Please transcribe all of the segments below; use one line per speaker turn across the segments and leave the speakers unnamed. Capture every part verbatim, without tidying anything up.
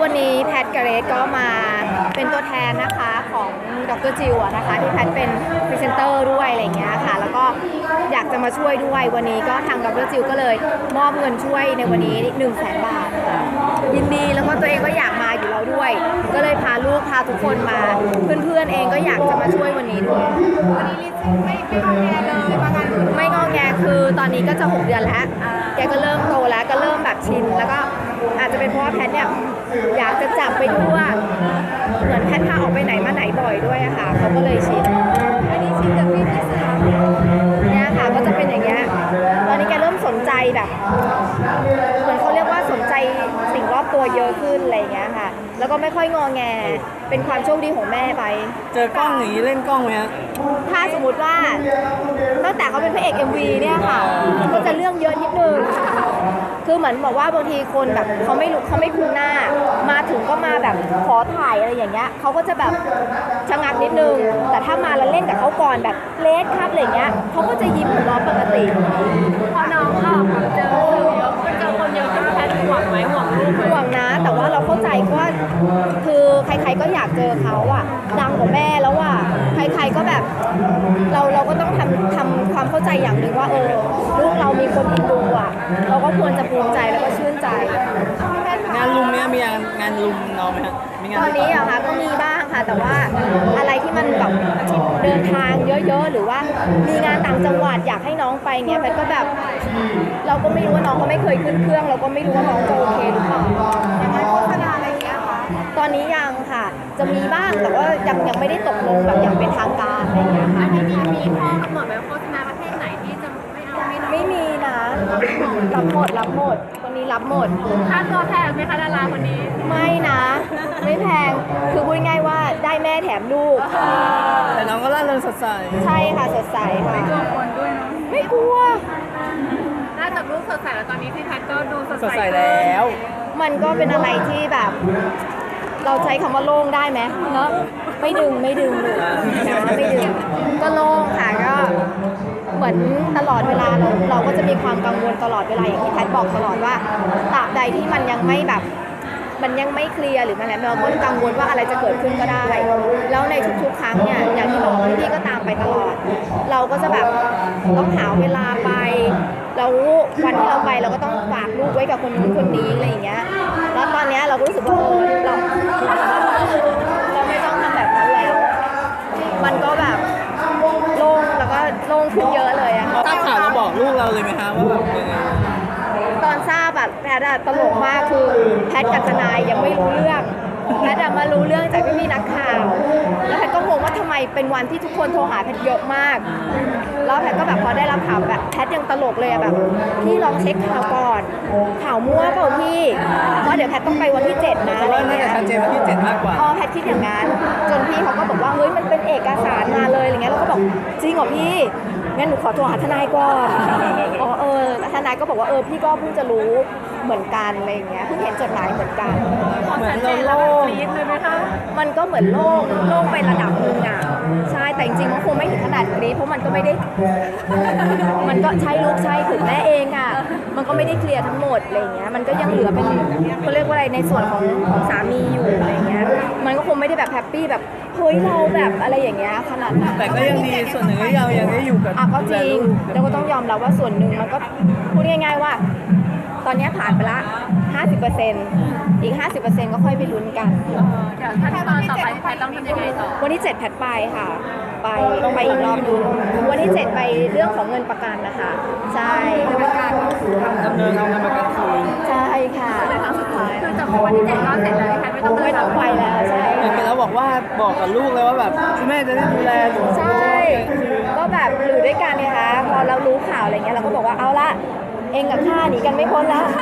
วันนี้แพทกับเรสก็มาเป็นตัวแทนนะคะของดรจิวนะคะที่แพทเป็นพรีเซนเตอร์ด้วยอะไรเงี้ยค่ะแล้วก็อยากจะมาช่วยด้วยวันนี้ก็ทางดรจิวก็เลยมอบเงินช่วยในวันนี้หนึ่งแสนบาทยินดีแล้วก็ตัวเองก็อยากมาอยู่แล้วด้วยก็เลยพาลูกพาทุกคนมาเพื่อนๆเองก็อยากจะมาช่วยวันนี้ด้วยวันนี้ลิซไม่ไม่งอแงเลยมางานไม่งอแงคือตอนนี้ก็จะหกเดือนแล้วแกก็เริ่มโตแล้วก็เริ่มแบบชินแล้วก็อาจจะเป็นเพราะว่าแพทเนี่ยอยากจะจับไปด้วยเหมือนแพทพาออกไปไหนมาไหนบ่อยด้วยอะค่ะเขาก็เลยชินอันนี้ชินกับพี่ที่สามเนี่ยค่ะก็จะเป็นอย่างเงี้ยตอนนี้แกเริ่มสนใจแบบเหมือนเขาเรียกว่าสนใจสิ่งรอบตัวเยอะขึ้นอะไรอย่างเงี้ยค่ะแล้วก็ไม่ค่อยงอแงเป็นความโชคดีของแม่ไป
เจอกล้องอย่างนี้เล่นกล้องไหมฮะ
ถ้าสมมติว่าตั้งแต่เขาเป็นพระเอก เอ็ม วี เนี่ยค่ะก็จะเรื่องเยอะนิดนึงคือเหมือนบอกว่าบางทีคนแบบเขาไม่รู้เขาไม่คุ้นหน้ามาถึงก็มาแบบขอถ่ายอะไรอย่างเงี้ยเขาก็จะแบบชะงักนิดนึงแต่ถ้ามาแล้วเล่นกับเขาก่อนแบบเลสครับอะไรเงี้ยเขาก็จะยิ้มหัวเราะปกติพอน้องออกเจอเยอะเจอคนเยอะขึ้นแพทย์ห่วงไหมห่วงลูกห่วงนะแต่ว่าเราเข้าใจว่าคือใครๆก็อยากเจอเขาอะดังกว่าแม่แล้วอะใครๆก็แบบเราเราก็ต้องทำทำความเข้าใจอย่างหนึ่งว่าเออลูกเรามีคนอินดูอะเราก็ควรจะภูมิใจแล้วก็ชื่นใจ
งานลุมเนี้ยมีงานงานลุมน้องไหมฮะมีงาน
ตอนนี้อะค่ะก็มีบ้างค่ะแต่ว่าอะไรที่มันแบบเดินทางเยอะๆหรือว่ามีงานต่างจังหวัดอยากให้น้องไปเงี้ยแพทก็แบบเราก็ไม่รู้ว่าน้องก็ไม่เคยขึ้นเครื่องเราก็ไม่รู้ว่าน้องจะโอเคหรือเปล่าอย่างไรโฆษณาอะไรเงี้ยค่ะตอนนี้ยังค่ะจะมีบ้างแต่ว่ายังยังไม่ได้ตกลงแบบอย่างเป็นทางการอะไรเงี้ยค่ะ
ไม่มีมีข้อกำหนดไหมโฆษณาประเทศไหนที่จะไม่เอาไม่
ไม่มีนะรับหมดรับหมดคนนี้รับหมด
ค่าตัวแพงไหมคะดาราคนนี้
ไม่นะไม่แพงคือพูดง่ายว่าได้แม่แถมลูก
แต่น้องก็ร่าเริงสดใส
ใช่ค่ะสดใสค่ะ
ไม่กลัวคนด้วยเนาะ
ไม่กลัว
น่าจะลูกสดใสแล้วตอนนี้พี่แพทก็ดูสดใส
แล้ว
มันก็เป็นอะไรที่แบบเราใช้คำว่าโล่งได้ไหมเนาะไม่ดึงไม่ดึงเลยนะไม่ดึงก็โล่งค่ะก็เหมือนตลอดเวลาเราเราก็จะมีความกังวลตลอดเวลาอย่างที่แพทบอกตลอดว่าตราบใดที่มันยังไม่แบบมันยังไม่เคลียร์หรือมันอะไรเราก็กังวลว่าอะไรจะเกิดขึ้นก็ได้แล้วในทุกๆครั้งเนี่ยอย่างที่บอกพี่ก็ตามไปตลอดเราก็จะแบบต้องหาเวลาไปเราวันที่เราไปเราก็ต้องฝากลูกไว้กับคนนู้นคนนี้อะไรอย่างเงี้ยแล้วตอนนี้เราก็รู้สึกว่าเออเราเราไม่ต้องทำแบบนั้นแล้วมันก็แบบโล่งแล้วก็โล่งขึ้นเยอะเลยอะ
ทราบข่าวเราบอกลูกเราเลยไหมคะว่าแบบ
ตอนทราบแบบแพทย์ตลกมากคือแพทย์กับทนายยังไม่รู้เรื่องแพทย์มารู้เรื่องจากพี่ๆนักข่าวแล้วแพทย์ก็งงว่าทำไมเป็นวันที่ทุกคนโทรหาแพทย์เยอะมากแล้วแพทย์ก็แบบพอได้รับข่าวแบบแพทย์ยังตลกเลยอะแบบพี่ลองเช็คข่าวก่อนข่าวมั่วเปล่าพี่เพราะเดี๋ยวแพทย์ต้องไปวันที่เจ็ดนะ
อะไรเงี้ยชัดเจนวันที่เจ็ดมากกว่า
อ๋อแพทย์คิดอย่างนั้นจนพี่เขาก็บอกว่าเฮ้ยมันเป็นเอกสารมาเลยอะไรเงี้ยเราก็บอกจริงเหรอพี่งั้นหนูขอโทรหาทนายก่อนอ๋อเออทนายก็บอกว่าเออพี่ก็เพิ่งจะรู้เหมือนกันอะไรเงี้ยเพิ่งเห็นจดหมายเหมือนกัน
เหมือนเราโล่งเลยไหมคะ
มันก็เหมือนโล่งโล่งไประดับนึงอ่ะใช่แต่จริงๆมันคงไม่ถึงขนาดนี้เพราะมันก็ไม่ได้มันก็ใช่ลูกใช่ถึงแม่เองอ่ะมันก็ไม่ได้เคลียร์ทั้งหมดอะไรเงี้ยมันก็ยังเหลือเป็นเขาเรียกว่าอะไรในส่วนของของสามีอยู่อะไรเงี้ยมันก็คงไม่ได้แบบแฮปปี้แบบเฮ้ยเราแบบอะไรอย่างเงี้ยขนาดนั้น
แต่ก็ยังดีส่วนหนึ่งที่เรายังได้อยู่กับ
อ่ะก็จริงเราก็ต้องยอมรับว่าส่วนหนึ่งมันก็พูดง่ายๆว่าตอนนี้ผ่านไปละ ห้าสิบเปอร์เซ็นต์ อีก ห้าสิบเปอร์เซ็นต์ ก็ค่อยไปลุ้นกัน
เดี๋ยวขั้นตอนต่อไปแพทต้องทำยังไงต่อ
วันที่เจ็ดแพทไปค่ะไปไปอีกรอบนึงวันที่เจ็ดไปเรื่องของเงินประกันนะคะใช่ประกัน
ดำเนินทำเงินประกันคืน
ใช่ค่ะ
เลยครั้งสุดท้ายคือจากวันที่เจ็ดก็เสร็จแล้วแพทไม่ต้อง
ไม่ต้องไปแล้วใช่
เห็นแล้วบอกว่าบอกกับลูกเลยว่าแบบคุณแม่จะได้ดูแลหนู
ใช่ก็แบบอยู่ด้วยกันไงคะพอเรารู้ข่าวอะไรเงี้ยเราก็บอกว่าเอาละเองกับข้าหนีกันไม่พ้นแล้ว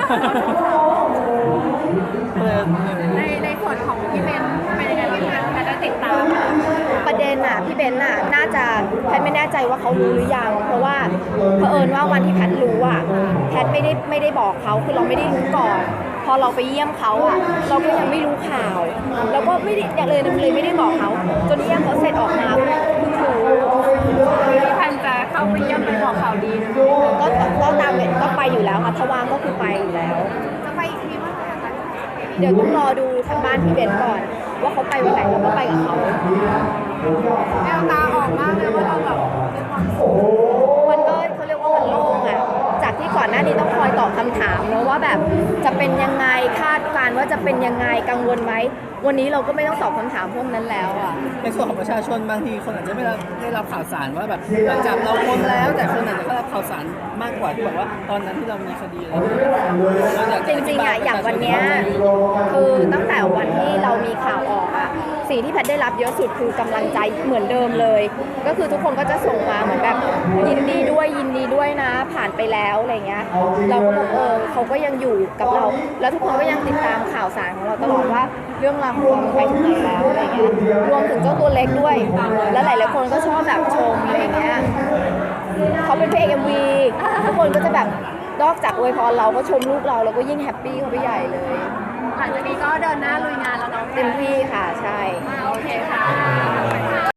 ในในส่วนของพี่เบนเป็นยังไงพี่แพทย์ได้ติดตาม
ประเด็นน่ะพี่เบนน่ะน่าจะแพทไม่แน่ใจว่าเขารู้หรือยังเพราะว่าเผอิญว่าวันที่แพทรู้อ่ะแพทไม่ได้ไม่ได้บอกเขาคือเราไม่ได้รู้ก่อนพอเราไปเยี่ยมเขาอ่ะเราก็ยังไม่รู้ข่าวเราก็ไม่ได้อย่างเลยเลยไม่ได้บอกเขาจนเยี่ยมเขาเสร็จออกมาเพิ่งรู้
พี่แพทย์จะเข้าไปเยี่ยมไปบอกข่าวดี
ก็ก็ตามก็ไปอยู่แล้วค่ะถ้าว่างก็คือไปอยู่แล้ว
จะไปอีกทีเมื่อไหร่คะ
เดี๋ยวต้องรอดูทางบ้านพี่เบนก่อน ว่าเขาไปวันไหนเราก็ไปกับเขา
แววตาออกมากเลยว่าเราแบบมีความสุข
มันก็เขาเรียกว่ามันโล่งอะจากที่ก่อนหน้านี้ต้องคอยตอบคำถามเนอะว่าแบบจะเป็นยังไงคาดการณ์ว่าจะเป็นยังไงกังวลไหมวันนี้เราก็ไม่ต้องตอบคำถามพวกนั้นแล้วอะ
ในส่วนของประชาชนบางทีคนอาจจะไม่ได้ได้รับข่าวสารว่าแบบหลังจากเราพ้นแล้ว แต่คนอาจจะได้รับข่าวสารมากกว่าที่แบบว่าตอนนั้นที่เรามีคดีอะไรอย่างเงี้ยเราอยาก
จ
จะ
ริงๆอะอย่างวันเนี้ยคือตั้งแต่วันที่เรามีข่าวออกอะสิ่งที่แพทย์ได้รับเยอะสุดคือกำลังใจเหมือนเดิมเลย ก็คือทุกคนก็จะส่งมาเหมือนแบบยินดีด้วยยินดีด้วยนะ ผ่านไปแล้วอะไรเงี้ยเราก็บอกเออเขาก็ยังอยู่กับเรา แล้วทุกคนก็ยังติดตามข่าวสารของเราตลอดว่าเรื่องราวของเรามันไปถึงไหนแล้วอะไรเงี้ยรวมถึงเจ้าตัวเล็กด้วย แล้วหลายๆคนก็ชอบแบบชมอะไรเงี้ยเขาเป็นพระเอกเอ็มวีทุกคนก็จะแบบนอกจากอวยพรเราก็ชมลูกเราเราก็ยิ่งแฮปปี้เข้าไปใหญ่เลย
หลังจากนี้ก็เดินหน้าลุยงานแล้วเนาะ
เต็มที่ค่ะ